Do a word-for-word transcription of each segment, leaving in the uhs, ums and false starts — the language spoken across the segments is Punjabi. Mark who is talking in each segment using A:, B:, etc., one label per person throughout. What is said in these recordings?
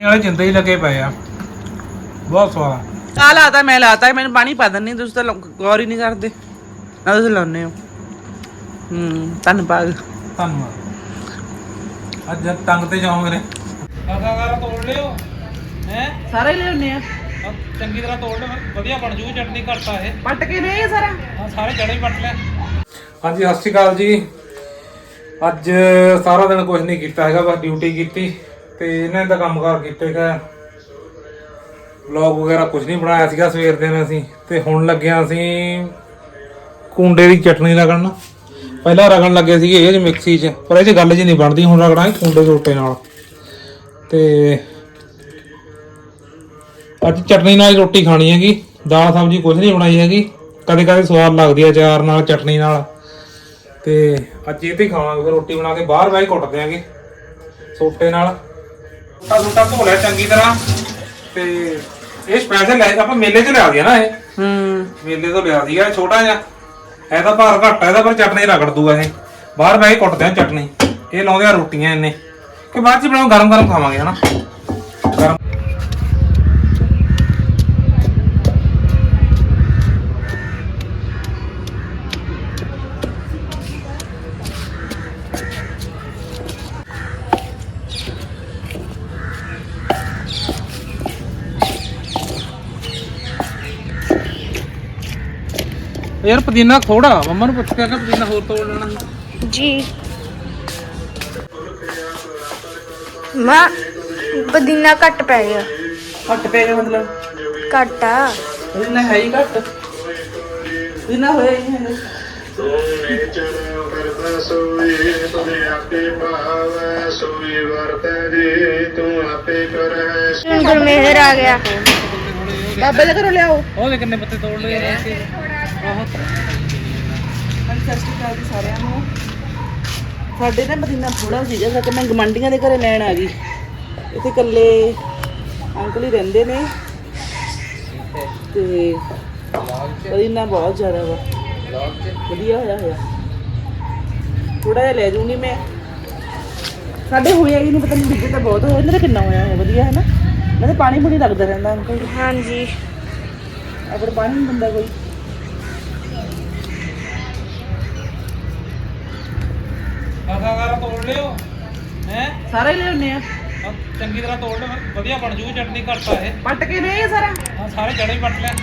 A: वाले जिंदे ही लगे पे आ बहुत स्वाद
B: ਆ ਲਾਤਾ ਮੈਂ ਲਾਤਾ ਮੈਨੂੰ ਪਾਣੀ ਪਾ ਦਿੰਨੀ ਤੁਸੀਂ ਤਾਂ ਗੌਰ ਹੀ ਨਹੀਂ ਕਰਦੇ ਨਾ ਤੁਸੀਂ ਲਾਉਨੇ ਹੋ ਹੂੰ ਧੰਨਵਾਦ
A: ਧੰਨਵਾਦ ਅੱਜ ਤੰਗ ਤੇ ਜਾਓ ਮੇਰੇ ਕਾਕਾ ਕਾਰਾ ਤੋੜ ਲਿਓ ਹੈ
B: ਸਾਰੇ ਲਿਆਉਨੇ ਆ
A: ਚੰਗੀ ਤਰ੍ਹਾਂ ਤੋੜ ਲਿਓ ਵਧੀਆ ਬਣ ਜੂਗੀ ਚਟਨੀ ਘੱਟਾ ਇਹ
B: ਪੱਟ ਕੇ ਨਹੀਂ ਸਾਰਾ
A: ਹਾਂ ਸਾਰੇ ਜੜੇ ਹੀ ਪੱਟ ਲਿਆ ਹਾਂਜੀ ਸਤਿ ਸ਼੍ਰੀ ਅਕਾਲ ਜੀ ਅੱਜ ਸਾਰਾ ਦਿਨ ਕੁਝ ਨਹੀਂ ਕੀਤਾ ਹੈਗਾ ਬਸ ਡਿਊਟੀ ਕੀਤੀ ਤੇ ਇਹਨਾਂ ਦਾ ਕੰਮਕਾਰ ਕੀਤੇ ਹੈਗਾ ਵਲੌਗ ਵਗੈਰਾ ਕੁਝ ਨਹੀਂ ਬਣਾਇਆ ਸੀਗਾ ਸਵੇਰ ਦੇ ਨੇ ਅਸੀਂ ਤੇ ਹੁਣ ਲੱਗਿਆ ਅਸੀਂ ਕੁੰਡੇ ਦੀ ਚਟਨੀ ਰਗੜਨ ਪਹਿਲਾਂ ਰਗੜਨ ਲੱਗੇ ਸੀਗੇ ਇਹ ਚ ਮਿਕਸੀ 'ਚ ਪਰ ਇਹ 'ਚ ਗੱਲ ਜੀ ਨਹੀਂ ਬਣਦੀ ਹੁਣ ਰਗੜਾਂਗੇ ਕੁੰਡੇ ਛੋਟੇ ਨਾਲ ਤੇ ਅੱਜ ਚਟਨੀ ਨਾਲ ਰੋਟੀ ਖਾਣੀ ਹੈਗੀ ਦਾਲ ਸਬਜ਼ੀ ਕੁਝ ਨਹੀਂ ਬਣਾਈ ਹੈਗੀ ਕਦੇ ਕਦੇ ਸਵਾਦ ਲੱਗਦੀ ਹੈ ਅਚਾਰ ਨਾਲ ਚਟਨੀ ਨਾਲ ਤੇ ਅੱਜ ਇਹ ਤੇ ਖਾਵਾਂਗੇ ਫਿਰ ਰੋਟੀ ਬਣਾ ਕੇ ਬਾਹਰ ਬਹਿ ਕੇ ਕੁੱਟ ਦਿਆਂਗੇ ਸੋਟੇ ਨਾਲ ਸੋਟਾ ਸੋਟਾ ਧੋ ਲਿਆ ਚੰਗੀ ਤਰ੍ਹਾਂ ਤੇ ਇਹ ਸਪੈਸ਼ਲ ਲੈ ਆਪਾਂ ਮੇਲੇ 'ਚ ਲਿਆ ਦਿਆ ਨਾ ਇਹ
B: ਹੂੰ
A: ਮੇਲੇ ਤੋਂ ਲਿਆ ਸੀਗਾ ਛੋਟਾ ਜਿਹਾ ਇਹ ਤਾਂ ਭਾਰ ਘੱਟ ਹੈ ਇਹਦਾ ਪਰ ਚਟਨੀ ਰਗੜ ਦੂਗਾ ਇਹ ਬਾਹਰ ਬਹਿ ਕੇ ਕੁੱਟਦੇ ਆ ਚਟਨੀ ਇਹ ਲਾਉਂਦੇ ਆ ਰੋਟੀਆਂ ਇਹਨੇ ਕਿ ਬਾਅਦ 'ਚ ਬਣਾਓ ਗਰਮ ਗਰਮ ਖਾਵਾਂਗੇ ਹਨਾ ਗਰਮ यार पुदीना थोड़ा मम्मा ने पूछ के पुदीना होर तोड़ लेना
C: जी मां पुदीना घट पै गया
B: ਘੱਟ ਪੈ ਗਿਆ ਮਤਲਬ
C: घट आ
B: ਇਹਨਾਂ ਹੈ ਹੀ ਘੱਟ ਇਹਨਾਂ ਹੋਇਆ ਹੀ ਨਹੀਂ
C: गुरमेहर आ गया
B: ਬਾਬੇ ਦੇ ਘਰੋਂ ਲਿਆਓ
A: ਉਹ ਦੇ ਕਿੰਨੇ ਪੱਤੇ ਤੋੜ ਲਏ ਅਸੀਂ ਆਹੋ
B: ਹਾਂਜੀ ਸਤਿ ਸ਼੍ਰੀ ਅਕਾਲ ਜੀ ਸਾਰਿਆਂ ਨੂੰ ਸਾਡੇ ਨਾ ਮਦੀਨਾ ਥੋੜਾ ਸੀਗਾ ਸੱਚ ਮੈਂ ਗਮੰਡੀਆਂ ਦੇ ਘਰੇ ਲੈਣ ਆ ਗਈ ਇੱਥੇ ਇਕੱਲੇ ਅੰਕਲ ਹੀ ਰਹਿੰਦੇ ਨੇ ਤੇ ਮਦੀਨਾ ਬਹੁਤ ਜ਼ਿਆਦਾ ਵਾ ਵਧੀਆ ਹੋਇਆ ਹੋਇਆ ਥੋੜਾ ਜਿਹਾ ਲੈ ਜੂੰਗੀ ਮੈਂ ਸਾਡੇ ਹੋਇਆ ਹੀ ਨਹੀਂ ਪਤਾ ਨਹੀਂ ਵਿੱਚੇ ਤਾਂ ਬਹੁਤ ਹੋਇਆ ਇਹਨਾਂ ਦਾ ਕਿੰਨਾ ਹੋਇਆ ਹੈ ਵਧੀਆ ਹੈ ਨਾ ਮੈਂ ਪਾਣੀ ਪੂਣੀ ਲੱਗਦਾ ਰਹਿੰਦਾ ਅੰਕਲ
C: हाँ जी
B: ਆਪਣੇ ਪਾਣੀ ਨਹੀਂ ਦਿੰਦਾ ਕੋਈ
A: ਕਾਕਾ ਕਾਰਾ ਤੋੜ ਲਿਓ ਹੈ
B: ਸਾਰੇ ਲਿਆਉਨੇ ਆ
A: ਚੰਗੀ ਤਰ੍ਹਾਂ ਤੋੜ ਲਿਓ ਵਧੀਆ ਬਣ ਜੂਗੀ ਚਟਨੀ ਘੱਟਾ ਇਹ
B: ਪੱਟ ਕੇ ਨਹੀਂ ਸਾਰਾ
A: ਹਾਂ ਸਾਰੇ ਜੜੇ ਹੀ ਪੱਟ ਲਿਆ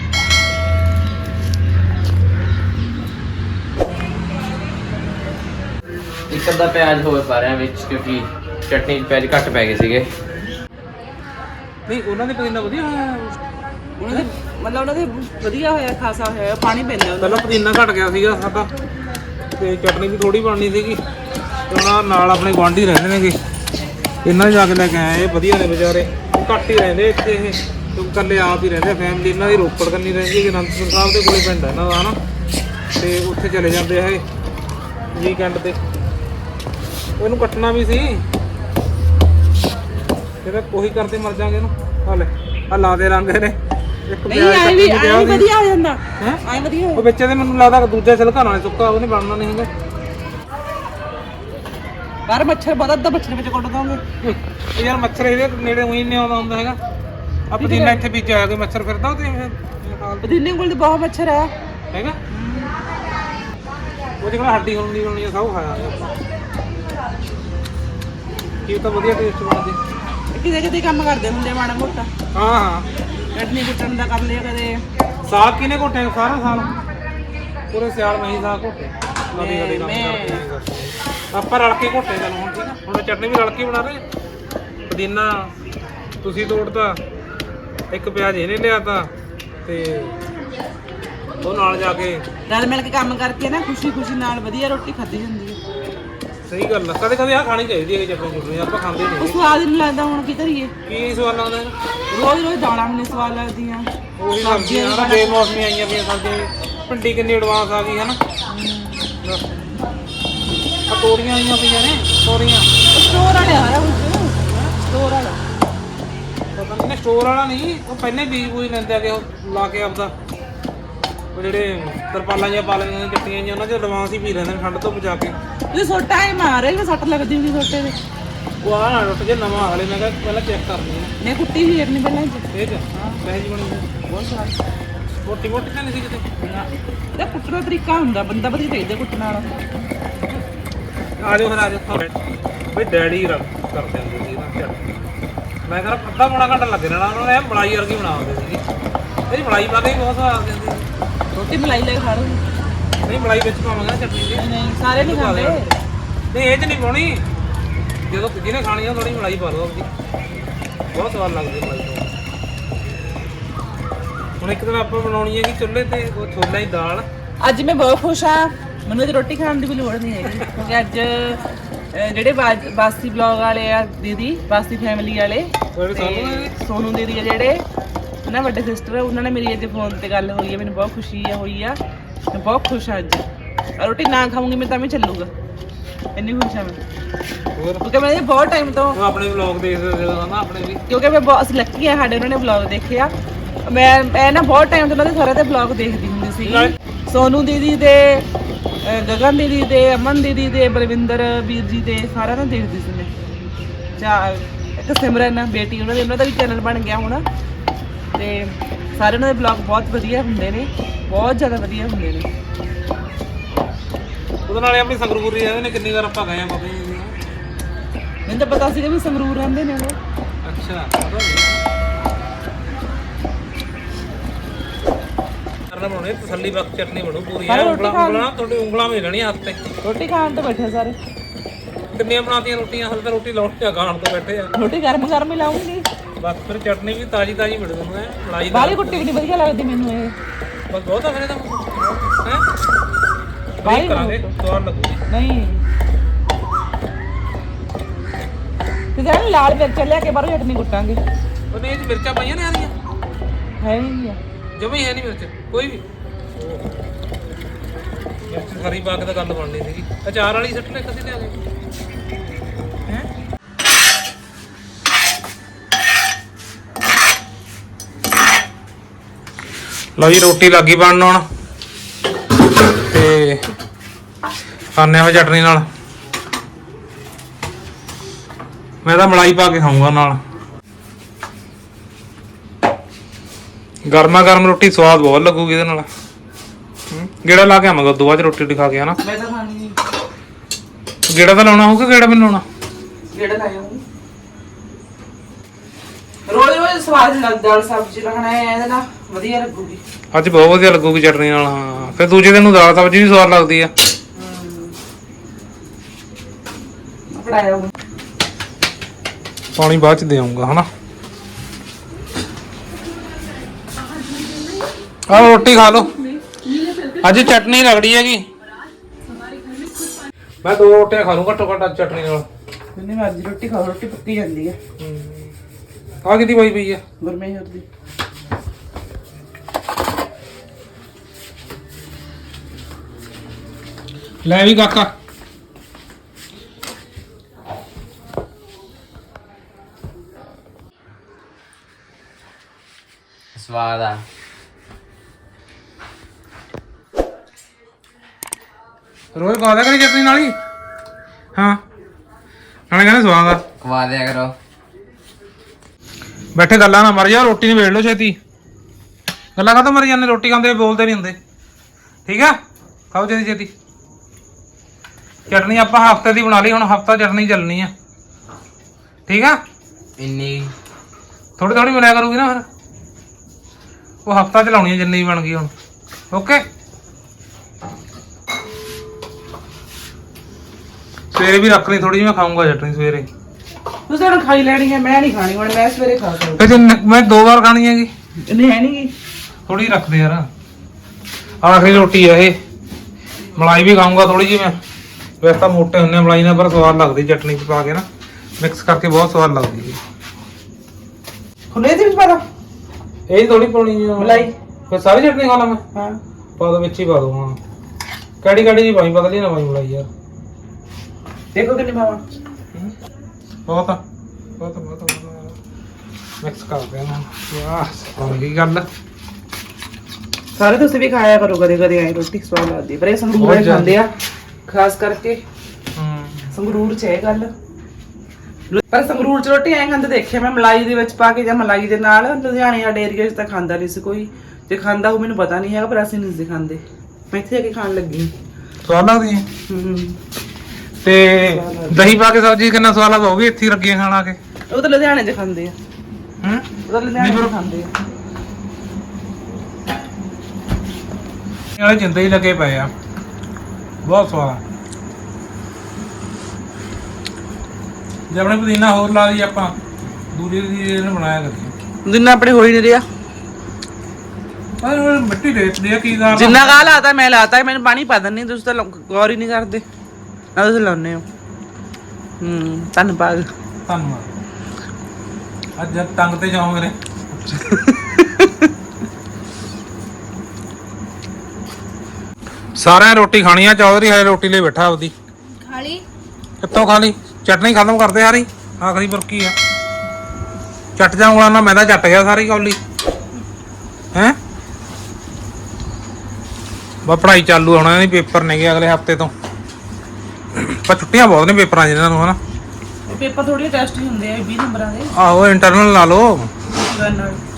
D: ਇੱਕ ਅੱਧਾ ਪਿਆਜ਼ ਹੋਰ ਪਾ ਰਿਹਾ ਵਿੱਚ ਕਿਉਂਕਿ ਚਟਨੀ 'ਚ ਪਿਆਜ਼ ਘੱਟ ਪੈ ਗਏ ਸੀਗੇ
A: ਨਹੀਂ ਉਹਨਾਂ ਦੇ ਪੁਦੀਨਾ ਵਧੀਆ ਹੋਇਆ
B: ਉਹਨਾਂ ਦੇ ਮਤਲਬ ਉਹਨਾਂ ਦੇ ਵਧੀਆ ਹੋਇਆ ਖਾਸਾ ਹੋਇਆ ਪਾਣੀ ਪੈਂਦਾ ਉਹਨਾਂ
A: ਪਹਿਲਾਂ ਪੁਦੀਨਾ ਘਟ ਗਿਆ ਸੀਗਾ ਸਾਡਾ ਤੇ ਚਟਨੀ ਵੀ ਥੋੜੀ ਬਣਨੀ ਸੀਗੀ ਤੇ ਉਹਨਾਂ ਨਾਲ ਆਪਣੇ ਗੁਆਂਢੀ ਰਹਿੰਦੇ ਨੇਗੇ ਇਹਨਾਂ ਨੇ ਜਾ ਕੇ ਲੈ ਕੇ ਆਏ ਇਹ ਵਧੀਆ ਨੇ ਵਿਚਾਰੇ ਘੱਟ ਹੀ ਰਹਿੰਦੇ ਇੱਥੇ ਇਹ ਤੇ ਇਕੱਲੇ ਆਪ ਹੀ ਰਹਿੰਦੇ ਫੈਮਿਲੀ ਇਹਨਾਂ ਦੀ ਰੋਪੜ ਕੰਨੀ ਰਹਿੰਦੀ ਹੈ ਅਨੰਦਪੁਰ ਸਾਹਿਬ ਦੇ ਕੋਲੇ ਪਿੰਡ ਹੈ ਇਹਨਾਂ ਦਾ ਹਨਾ ਤੇ ਉੱਥੇ ਚਲੇ ਜਾਂਦੇ ਆ ਇਹ ਵੀਕਐਂਡ ਤੇ ਉਹਨੂੰ ਕੱਟਣਾ ਵੀ ਸੀ ਇਹਦਾ ਉਹੀ ਕਰਦੇ ਮਰ ਜਾਗੇ ਇਹਨੂੰ ਆ ਲੈ ਆ ਲਾ ਦੇ ਰੰਗ ਇਹਨੇ ਇੱਕ
B: ਨਹੀਂ ਆਈ ਵੀ ਆਈ ਵਧੀਆ ਹੋ ਜਾਂਦਾ
A: ਹੈ
B: ਆਈ ਵਧੀਆ
A: ਉਹ ਵਿੱਚ ਦੇ ਮੈਨੂੰ ਲੱਗਦਾ ਦੂਜਾ ਛਿਲਕਾ ਨਾਲ ਸੁੱਕਾ ਉਹਨੇ ਬਣਨਾ ਨਹੀਂ ਹੈਗਾ
B: ਬਾਹਰ ਮੱਛਰ ਬਹੁਤ ਅੱਧਾ ਮੱਛਰ ਵਿੱਚ ਕੁੱਟ ਦੋਗੇ
A: ਇਹ ਯਾਰ ਮੱਛਰ ਇਹਦੇ ਨੇੜੇ ਉਹੀ ਨਹੀਂ ਆਉਂਦਾ ਹੁੰਦਾ ਹੈਗਾ ਆ ਪੁਦੀਨਾ ਇੱਥੇ ਵਿੱਚ ਆ ਕੇ ਮੱਛਰ ਫਿਰਦਾ ਤੇ ਫਿਰ
B: ਪੁਦੀਨੇ ਕੋਲ ਤਾਂ ਬਹੁਤ ਮੱਛਰ ਆ
A: ਹੈਗਾ ਉਹਦੇ ਕੋਲ ਹੱਡੀ ਹੁੰਦੀ ਹੋਣੀ ਆ ਸਭ ਖਾਇਆ ਆਪਾਂ ਕੀ ਤਾਂ ਵਧੀਆ ਟੇਸਟ ਬਣਦੇ
B: ਕਿਤੇ ਕਿਤੇ ਕੰਮ ਕਰਦੇ ਹੁੰਦੇ ਮਾੜਾ ਮੋਟਾ
A: ਹਾਂ ਹਾਂ
B: ਚਟਨੀ ਕੁੱਟਣ ਦਾ ਕਰ ਲਿਆ ਕਦੇ
A: ਸਾਗ ਕਿਨੇ ਘੋਟੇ ਸਾਰਾ ਸਾਲ ਪੂਰੇ ਸਿਆਲ ਨਹੀਂ ਸਾਗ ਘੋਟੇ ਨਵੀਂ ਨਵੀਂ ਕੰਮ ਆਪਾਂ ਰਲ ਕੇ ਘੋਟੇ ਚੱਲ ਹੁਣ ਠੀਕ ਆ ਹੁਣ ਚਟਨੀ ਵੀ ਰਲ ਕੇ ਬਣਾ ਰਹੇ ਪੁਦੀਨਾ ਤੁਸੀਂ ਤੋੜਤਾ ਇੱਕ ਪਿਆਜ਼ ਇਹਨੇ ਲਿਆਤਾ ਤੇ ਉਹ ਨਾਲ ਜਾ ਕੇ
B: ਰਲ ਮਿਲ ਕੇ ਕੰਮ ਕਰਕੇ ਨਾ ਖੁਸ਼ੀ ਖੁਸ਼ੀ ਨਾਲ ਵਧੀਆ ਰੋਟੀ ਖਾਧੀ ਜਾਂਦੀ ਹੈ
A: ਸਹੀ ਗੱਲ ਆ ਕਦੇ ਕਦੇ ਆ ਖਾਣੀ ਚਾਹੀਦੀ ਹੈ ਚਟਨੀ ਚੁਟਨੀ ਆਪਾਂ ਖਾਂਦੇ
B: ਉਹ
A: ਨਹੀਂ
B: ਸਵਾਦ ਨਹੀਂ ਲੱਗਦਾ ਹੁਣ ਕੀ ਕਰੀਏ
A: ਕੀ ਸਵਾਦ ਲੱਗਦਾ
B: ਰੋਜ਼ ਰੋਜ਼ ਦਾਲਾਂ ਮੈਨੂੰ ਸਵਾਦ ਲੱਗਦੀਆਂ
A: ਉਹੀ ਸਬਜ਼ੀਆਂ ਨਾ ਬੇਮੌਸਮੀ ਆਈਆਂ ਪਈਆਂ ਸਬਜ਼ੀਆਂ ਭਿੰਡੀ ਕਿੰਨੀ ਐਡਵਾਂਸ ਆ ਗਈ ਹੈ ਨਾ ਆ ਤੋਰੀਆਂ ਆਈਆਂ ਪਈਆਂ ਨੇ ਤੋਰੀਆਂ
B: ਸਟੋਰ ਵਾਲਿਆ ਸਾਰਾ ਕੁਝ ਸਟੋਰ ਵਾਲਾ
A: ਪਤਾ ਨਹੀਂ ਸਟੋਰ ਵਾਲਾ ਨਹੀਂ ਉਹ ਪਹਿਲੇ ਬੀਜ ਬੂਜ ਲੈਂਦੇ ਆ ਕਿ ਉਹ ਲਾ ਕੇ ਆਪਦਾ ਉਹ ਜਿਹੜੇ ਤਰਪਾਲਾਂ ਜਿਹੀਆਂ ਪਾ ਲੈਂਦੀਆਂ ਨੇ ਚੱਟੀਆਂ ਜਿਹੀਆਂ ਉਹਨਾਂ 'ਚ ਐਡਵਾਂਸ ਹੀ ਪੀ ਲੈਂਦੇ ਨੇ ਠੰਡ ਤੋਂ ਬਚਾ ਕੇ
B: ਇਹ ਸੋਟਾ ਹੀ ਮਾਰੇ ਵੀ ਸੱਟ ਲੱਗਦੀ ਹੁੰਦੀ ਸੋਟੇ ਦੇ
A: ਉਹ ਆ ਨਾ ਟੁੱਟ ਜੇ ਨਵਾਂ ਹਲੇ ਮੈਂ ਕਿਹਾ ਪਹਿਲਾਂ ਚੈੱਕ ਕਰਨੀ ਹੈ
B: ਨੇ ਕੁੱਟੀ ਵੀ ਫੇਰਨੀ ਪਹਿਲਾਂ ਚ
A: ਇਹ ਚ ਹਾਂ ਵੈਸੇ ਜੀ ਬਣੀ ਹੋਈ।
B: ਬਹੁਤ ਸਵਾਦ
A: ਮੋਟੀ ਮੋਟੀ ਤਾਂ ਨਹੀਂ ਸੀ ਕਿਤੇ
B: ਇਹਦਾ ਕੁੱਟਣ ਦਾ ਤਰੀਕਾ ਹੁੰਦਾ ਬੰਦਾ ਵਧੀਆ ਚਾਹੀਦਾ ਕੁੱਟਣ ਵਾਲਾ
A: ਆ ਜਾਓ ਫਿਰ ਆ ਜਾਓ ਬਈ ਡੈਡੀ ਰਲ ਕਰਦੇ ਹੁੰਦੇ ਸੀ ਨਾ ਚਟਨੀ ਮੈਂ ਕਹਿੰਦਾ ਅੱਧਾ ਪੌਣਾ ਘੰਟਾ ਲੱਗ ਜਾਣਾ ਉਹਨਾਂ ਨੇ ਮਲਾਈ ਵਰਗੀ ਬਣਾਉਂਦੇ ਸੀਗੇ ਇਹਦੀ ਮਲਾਈ ਪਾ ਕੇ ਵੀ ਬਹੁਤ ਸਵਾਦ ਆਉਂਦੀ ਹੁੰਦੀ ਸੀ
B: ਰੋਟੀ ਮਲਾਈ ਲੈ ਕੇ ਖਾ ਲਓ
A: ਨਹੀਂ ਮਲਾਈ ਵਿੱਚ ਪਾਵਾਂਗੇ ਨਾ ਚਟਨੀ ਦੀ
B: ਨਹੀਂ ਨਹੀਂ ਸਾਰੇ ਨਹੀਂ ਖਾਂਦੇ
A: ਨਹੀਂ ਇਹ ਚ ਨਹੀਂ ਪਾਉਣੀ ਜਦੋਂ ਜਿਹਨੇ ਖਾਣੀ ਆ ਥੋੜੀ ਮਲਾਈ ਪਾ ਲਓ ਆਪਦੀ ਬਹੁਤ ਸਵਾਦ ਲੱਗਦੀ ਮਲਾਈ ਤੋਂ ਹੁਣ ਇੱਕ ਦਿਨ ਆਪਾਂ ਬਣਾਉਣੀ ਹੈ ਕਿ ਚੁੱਲ੍ਹੇ ਤੇ ਉਹ ਛੋਲਿਆਂ ਦੀ ਦਾਲ
B: ਅੱਜ ਮੈਂ ਬਹੁਤ ਖੁਸ਼ ਆ ਮੈਨੂੰ ਤੇ ਰੋਟੀ ਖਾਣ ਦੀ ਵੀ ਲੋੜ ਨਹੀਂ ਹੈਗੀ ਕਿਉਂਕਿ ਅੱਜ ਅਹ, ਜਿਹੜੇ ਬਾਜ- ਬਾਸੀ ਬਲੌਗ ਵਾਲੇ ਆ ਦੀਦੀ ਬਾਸੀ ਫੈਮਿਲੀ ਵਾਲੇ
A: ਜਿਹੜੇ
B: ਤੇ
A: ਸੋਨੂੰ ਨੇ
B: ਸੋਨੂ ਦੀਦੀ ਆ ਜਿਹੜੇ ਨਾ ਵੱਡੇ ਸਿਸਟਰ ਉਹਨਾਂ ਨੇ ਮੇਰੀ ਅੱਜ ਫੋਨ ਤੇ ਗੱਲ ਹੋਈ ਹੈ ਮੈਨੂੰ ਬਹੁਤ ਖੁਸ਼ੀ ਆ ਹੋਈ ਆ ਮੈਂ ਬਹੁਤ ਖੁਸ਼ ਆ ਅੱਜ ਰੋਟੀ ਨਾ ਖਾਵਾਂਗੀ ਮੈਂ ਤਾਂ ਵੀ ਚੱਲੂਗਾ ਇੰਨੀ ਖੁਸ਼ ਆ ਮੈਂ
A: ਹੋਰ
B: ਕਿਉਂਕਿ ਮੈਂ ਇਹ ਬਹੁਤ ਟਾਈਮ ਤੋਂ
A: ਉਹ ਆਪਣੇ ਵਲੌਗ ਦੇਖਦੇ ਜਦੋਂ ਨਾ ਆਪਣੇ ਵੀ
B: ਕਿਉਂਕਿ ਮੈਂ ਬਹੁਤ ਅਸੀਂ ਲੱਕੀ ਆ ਸਾਡੇ ਉਹਨਾਂ ਨੇ ਵਲੌਗ ਦੇਖਿਆ ਮੈਂ ਮੈਂ ਨਾ ਬਹੁਤ ਟਾਈਮ ਤੋਂ ਉਹਨਾਂ ਦੇ ਸਾਰਿਆਂ ਦੇ ਵਲੌਗ ਦੇਖਦੀ ਹੁੰਦੀ ਸੀ ਸੋਨੂ ਦੀਦੀ ਦੇ ਅਹ ਗਗਨ ਦੀਦੀ ਦੇ ਅਮਨ ਦੀਦੀ ਦੇ ਬਲਵਿੰਦਰ ਵੀਰ ਜੀ ਦੇ ਸਾਰਿਆਂ ਨੂੰ ਦੇਖਦੀ ਸੀ ਮੈਂ ਚਾ ਇੱਕ ਸਿਮਰਨ ਬੇਟੀ ਉਹਨਾਂ ਦੇ ਉਹਨਾਂ ਦਾ ਵੀ ਚੈਨਲ ਬਣ ਗਿਆ ਹੁਣ ਤੇ ਸਾਰੇ ਉਹਨਾਂ ਦੇ ਵਲੌਗ ਬਹੁਤ ਵਧੀਆ ਹੁੰਦੇ ਨੇ ਬਹੁਤ ਜ਼ਿਆਦਾ ਵਧੀਆ ਹੁੰਦੇ ਨੇ
A: ਉਹਦੇ ਨਾਲੇ ਆਪਣੀ ਸੰਗਰੂਰੀ ਰਹਿੰਦੇ ਨੇ ਕਿੰਨੀ ਵਾਰ ਆਪਾਂ ਗਏ ਆ ਪਤਾ ਹੀ ਨਹੀਂ
B: ਮੈਨੂੰ ਤਾਂ ਪਤਾ ਸੀਗਾ ਵੀ ਸੰਗਰੂਰ ਰਹਿੰਦੇ ਨੇ ਉਹ
A: ਅੱਛਾ ਪਤਾ ਨਹੀਂ ਕਰਨਾ ਬਣਾਉਣੇ ਤਸੱਲੀ ਬਖਸ਼ ਚਟਨੀ ਬਣੂ ਪੂਰੀ
B: ਸਾਰੇ
A: ਐ
B: ਰੋਟੀ
A: ਉਂਗਲਾਂ
B: ਖਾ
A: ਉਂਗਲਾਂ ਤੁਹਾਡੀ ਉਂਗਲਾਂ ਵੀ ਰਹਿਣੀਆਂ ਹੱਥ ਤੇ
B: ਰੋਟੀ ਖਾਣ ਤੋਂ ਬੈਠੇ ਸਾਰੇ
A: ਕਿੰਨੀਆਂ ਬਣਾਤੀਆਂ ਰੋਟੀਆਂ ਹਲ ਤਾਂ ਰੋਟੀ ਲਾਉਣ ਤੇ ਖਾਣ ਤੋਂ ਬੈਠੇ ਆ
B: ਰੋਟੀ ਗਰਮ ਗਰਮ ਹੀ ਲਾਉਂਗੀ
A: ਬਸ ਫਿਰ ਚਟਨੀ ਵੀ ਤਾਜੀ ਤਾਜੀ ਮਿਲ ਤੁਹਾਨੂੰ ਐ ਮਲਾਈ
B: ਬਾਹਲੀ ਕੁੱਟੀ ਵੀ ਨਹੀਂ ਵਧੀਆ ਲੱਗਦੀ ਮੈਨੂੰ ਇਹ
A: ਬਸ ਬਹੁਤ ਆ ਫਿਰ ਇਹਦਾ ਹੈ
B: ਬਾਹਲੀ
A: ਬਾਈ ਕਰਾਂਗੇ ਸਵਾਦ ਲੱਗੂਗੀ
B: ਨਹੀਂ ਤੇ ਜਾਨ ਲਾਲ ਮਿਰਚ ਲਿਆ ਕੇ ਬਾਹਰੋਂ ਚਟਨੀ ਕੁੱਟਾਂਗੇ
A: ਉਹਨੇ ਇਹ 'ਚ ਮਿਰਚਾਂ ਪਾਈਆਂ ਨੇ ਆਰੀਆਂ
B: ਹੈ ਨਹੀਂ ਆ
A: ਜਮੀ ਹੈ ਨਹੀਂ ਮਿਰਚ ਕੋਈ ਵੀ ਮਿਰਚ ਖਰੀ ਪਾ ਕੇ ਤਾਂ ਗੱਲ ਬਣਨੀ ਸੀਗੀ ਅਚਾਰ ਵਾਲੀ ਸੱਟ ਲੈ ਕਦੇ ਲਿਆ ਗਏ ਹੈ ਲਓ ਜੀ ਰੋਟੀ ਲੱਗੀ ਬਣਨ ਹੁਣ ਤੇ ਖਾਣੇ ਆ ਚਟਨੀ ਨਾਲ ਮੈਂ ਤਾਂ ਮਲਾਈ ਪਾ ਕੇ ਖਾਊਂਗਾ ਨਾਲ ਗਰਮਾ ਗਰਮ ਰੋਟੀ ਸਵਾਦ ਬਹੁਤ ਲੱਗੂਗੀ ਇਹਦੇ ਨਾਲ ਗੇੜਾ ਲਾ ਕੇ ਆਵਾਂਗਾ ਉਦੋਂ ਬਾਅਦ ਰੋਟੀ ਖਾ ਕੇ ਹਨਾ
B: ਮੈਂ ਤਾਂ ਖਾਣੀ ਨਹੀਂ
A: ਗੇੜਾ ਤਾਂ ਲਾਉਣਾ ਹੋਊਗਾ ਗੇੜਾ ਮੈਨੂੰ ਲਾਉਣਾ
B: ਗੇੜਾ ਲਾਇਆ ਰੋਜ਼ ਰੋਜ਼ ਸਵਾਦ ਨਹੀਂ ਲੱਗਦਾ ਦਾਲ ਸਬਜ਼ੀ ਰੱਖਣਾ ਹੈ ਇਹਦੇ ਨਾਲ ਵਧੀਆ ਲੱਗੂਗੀ
A: ਅੱਜ ਬਹੁਤ ਵਧੀਆ ਲੱਗੂਗੀ ਚਟਨੀ ਨਾਲ ਹਾਂ ਫਿਰ ਦੂਜੇ ਦਿਨ ਨੂੰ ਦਾਲ ਸਬਜ਼ੀ ਵੀ ਸਵਾਦ ਲੱਗਦੀ ਆ
B: ਪੜਾਇਆ ਉਹ
A: ਪਾਣੀ ਬਾਅਦ ਚ ਦੇ ਆਉਂਗਾ ਹਨਾ ਆ ਰੋਟੀ ਖਾ ਲਓ ਅੱਜ ਚਟਨੀ ਰਗੜੀ ਹੈਗੀ ਮੈਂ ਦੋ ਰੋਟੀਆਂ ਖਾ ਲੂੰ ਘੱਟੋ ਘੱਟ ਅੱਜ ਚਟਨੀ ਨਾਲ
B: ਜਿੰਨੀ ਮਰਜ਼ੀ ਰੋਟੀ ਖਾਓ ਰੋਟੀ ਪੱਕੀ ਜਾਂਦੀ ਹੈ
A: ਆ ਕਿਹਦੀ ਪਾਈ ਪਈ ਆ
B: ਗੁਰਮੇਹਰ ਦੀ
A: ਲੈ ਵੀ ਕਾਕਾ
D: ਸਵਾਦ ਆ
A: ਰੋਜ਼ ਖਾ ਦਿਆ ਕਰੀ ਚਟਨੀ ਨਾਲ ਹੀ ਹਾਂ ਨਾਲੇ ਕਹਿੰਦੇ ਸਵਾਦ ਆ
D: ਖਵਾ ਦਿਆ ਕਰੋ
A: ਬੈਠੇ ਗੱਲਾਂ ਨਾ ਮਰ ਜਾ ਰੋਟੀ ਨਹੀਂ ਵੇੜ ਲਓ ਛੇਤੀ ਗੱਲਾਂ ਕਾਹਤੋਂ ਮਰ ਜਾਂਦੇ ਰੋਟੀ ਖਾਂਦੇ ਬੋਲਦੇ ਨਹੀਂ ਹੁੰਦੇ ਠੀਕ ਆ ਖਾਓ ਛੇਤੀ ਛੇਤੀ ਚਟਨੀ ਆਪਾਂ ਹਫਤੇ ਦੀ ਬਣਾ ਲਈ ਹੁਣ ਹਫਤਾ ਚਟਨੀ ਚੱਲਣੀ ਆ ਠੀਕ ਆ
D: ਇੰਨੀ
A: ਥੋੜੀ ਥੋੜੀ ਮਿਲਿਆ ਕਰੂਗੀ ਨਾ ਫਿਰ ਉਹ ਹਫਤਾ ਚਲਾਉਣੀ ਆ ਜਿੰਨੀ ਬਣ ਗਈ ਹੁਣ ਓਕੇ ਸਵੇਰੇ ਵੀ ਰੱਖ ਲਈ ਥੋੜੀ ਜਿਹੀ ਮੈਂ ਖਾਊਂਗਾ ਚਟਨੀ ਸਵੇਰੇ
B: ਤੁਸੀਂ ਹੁਣ ਖਾਈ ਲੈਣੀ ਹੈ ਮੈਂ ਨਹੀਂ ਖਾਣੀ ਹੁਣ ਮੈਂ ਸਵੇਰੇ ਖਾ ਸਕਦਾ
A: ਫਿਰ ਜੇ ਨ- ਮੈਂ ਦੋ ਵਾਰ ਖਾਣੀ ਹੈਗੀ
B: ਨਹੀਂ ਹੈ ਨਹੀਂ
A: ਥੋੜੀ ਰੱਖ ਦੇ ਯਾਰ ਆਖਰੀ ਰੋਟੀ ਆ ਇਹ ਮਲਾਈ ਵੀ ਖਾਊਂਗਾ ਥੋੜੀ ਜਿਹੀ ਮੈਂ ਵੈਸੇ ਤਾਂ ਮੋਟੇ ਹੁੰਨੇ ਮਲਾਈ ਨਾਲ ਪਰ ਸਵਾਦ ਲੱਗਦੀ ਚਟਨੀ ਚ ਪਾ ਕੇ ਨਾ ਮਿਕਸ ਕਰਕੇ ਬਹੁਤ ਸਵਾਦ ਲੱਗਦੀ ਹੈ
B: ਖੁੱਲੇ ਦੀ ਵੀ ਪਤਾ
A: ਇਹ ਥੋੜੀ ਪਾਉਣੀ ਆ
B: ਮਲਾਈ
A: ਫਿਰ ਸਾਰੀ ਚਟਨੀ ਖਾ ਲਾਂ ਮੈਂ
B: ਹਾਂ
A: ਪਾ ਦੋ ਵਿੱਚ ਹੀ ਪਾ ਦੋ ਹਾਂ ਕਿਹੜੀ ਕਿਹੜੀ ਜੀ ਪਾਈ ਪਤਾ ਨਹੀਂ ਨਾ ਪਾਈ ਮਲਾਈ ਯਾਰ
B: ਦੇਖੋ ਕਿੰਨੀ ਪਾਵਾਂ
A: ਬਹੁਤ ਆ ਬਹੁਤ ਆ, ਬਹੁਤ ਆ, ਬਹੁਤ ਮਿਕਸ ਕਰ ਦੇਣਾ ਵਾਹ ਬਣ ਗਈ ਗੱਲ
B: ਸਾਰੇ ਤੁਸੀਂ ਵੀ ਖਾਇਆ ਕਰੋ ਕਦੇ ਕਦੇ ਆਏ ਰੋਟੀ ਸਵਾਦ ਲੱਗਦੀ ਪਰ ਇਹ ਸੰਗਰੂਰ
A: ਬਹੁਤ
B: ਖਾਂਦੇ ਆ ਖਾਸ ਕਰਕੇ
A: ਹੂੰ
B: ਸੰਗਰੂਰ ਚ ਇਹ ਗੱਲ ਪਰ ਸੰਗਰੂਰ ਚ ਰੋਟੀ ਐਂ ਖਾਂਦੇ ਦੇਖਿਆ ਮੈਂ, ਮਲਾਈ ਦੇ ਵਿੱਚ ਪਾ ਕੇ ਜਾਂ ਮਲਾਈ ਦੇ ਨਾਲ। ਲੁਧਿਆਣੇ ਸਾਡੇ ਏਰੀਆ 'ਚ ਤਾਂ ਖਾਂਦਾ ਨਹੀਂ ਸੀ ਕੋਈ, ਜੇ ਖਾਂਦਾ ਉਹ ਮੈਨੂੰ ਪਤਾ ਨਹੀਂ ਹੈਗਾ, ਪਰ ਅਸੀਂ ਨਹੀਂ ਸੀ ਖਾਂਦੇ। ਮੈਂ ਇੱਥੇ ਆ ਕੇ ਖਾਣ ਲੱਗੀ।
A: ਸਵਾਦ ਲੱਗਦੀ ਹੈ।
B: ਹੂੰ
A: ਤੇ ਦਹੀਂ ਪਾ ਕੇ ਸਬਜ਼ੀ ਕਿੰਨਾ ਸਵਾਦ ਲੱਗਦਾ, ਉਹ ਵੀ ਇੱਥੇ ਹੀ ਲੱਗੀਆਂ ਖਾਣ ਆ ਕੇ।
B: ਉਹ ਤਾਂ ਲੁਧਿਆਣੇ 'ਚ ਖਾਂਦੇ ਆ,
A: ਹੂੰ
B: ਉਹ ਤਾਂ ਲੁਧਿਆਣੇ 'ਚ ਖਾਂਦੇ ਆ।
A: ਇਹ ਵਾਲੇ ਜਿੰਦੇ ਹੀ ਲੱਗੇ ਪਏ ਆ, ਬਹੁਤ ਸਵਾਦ ਆ। ਜੇ ਆਪਣੇ ਪੁਦੀਨਾ ਹੋਰ ਲਾ ਲਈ ਆਪਾਂ, ਦੂਜੀ ਦੀ ਇਹਨੇ ਬਣਾਇਆ ਕਰੀ।
B: ਜਿੰਨਾ ਆਪਣੇ ਹੋ ਹੀ ਨਹੀਂ ਰਿਹਾ,
A: ਪਰ ਉਹ ਮਿੱਟੀ ਰੇਤਦੀ ਆ, ਕੀ ਦਾ
B: ਜਿੰਨਾ ਗਾ ਲਾਤਾ ਮੈਂ ਲਾਤਾ, ਮੈਨੂੰ ਪਾਣੀ ਪਾ ਦਿੰਨੀ, ਤੁਸੀਂ ਤਾਂ ਲੌ- ਗੌਰ ਹੀ ਨਹੀਂ ਕਰਦੇ ਨਾ, ਤੁਸੀਂ ਲਾਉਨੇ ਹੋ। ਹੂੰ ਧੰਨਵਾਦ।
A: ਧੰਨਵਾਦ। ਅੱਜ ਜਦ ਤੰਗ ਤੇ ਜਾਓ ਮੇਰੇ। ਸਾਰਿਆਂ ਰੋਟੀ ਖਾਣੀ ਆ, ਚੌਧਰੀ ਹਲੇ ਰੋਟੀ ਲਈ ਬੈਠਾ ਆਪਦੀ।
C: ਖਾ ਲਈ
A: ਕਿੱਥੋਂ ਖਾ ਲਈ? ਚਟਨੀ ਖਤਮ ਕਰਦੇ ਸਾਰੀ, ਆਖਰੀ ਬੁਰਕੀ ਆ। ਚੱਟ ਜਾ ਉਂਗਲਾਂ ਨਾਲ, ਮੈਂ ਤਾਂ ਚੱਟ ਗਿਆ ਸਾਰੀ ਕੌਲੀ। ਹੈਂ ਬਾ ਪੜ੍ਹਾਈ ਚਾਲੂ ਹੋਣਾ, ਨਹੀਂ ਪੇਪਰ ਨੇਗੇ ਅਗਲੇ ਹਫਤੇ ਤੋਂ। ਪਰ ਛੁੱਟੀਆਂ ਬਹੁਤ ਨੇ ਪੇਪਰਾਂ 'ਚ ਇਹਨਾਂ ਨੂੰ, ਹਨਾ।
B: ਪੇਪਰ ਥੋੜੀ ਟੈਸਟ ਹੀ ਹੁੰਦੇ ਆ ਵੀਹ ਨੰਬਰਾਂ ਦੇ।
A: ਆਹੋ ਇੰਟਰਨਲ ਲਾ ਲਓ।
B: ਨਾਲ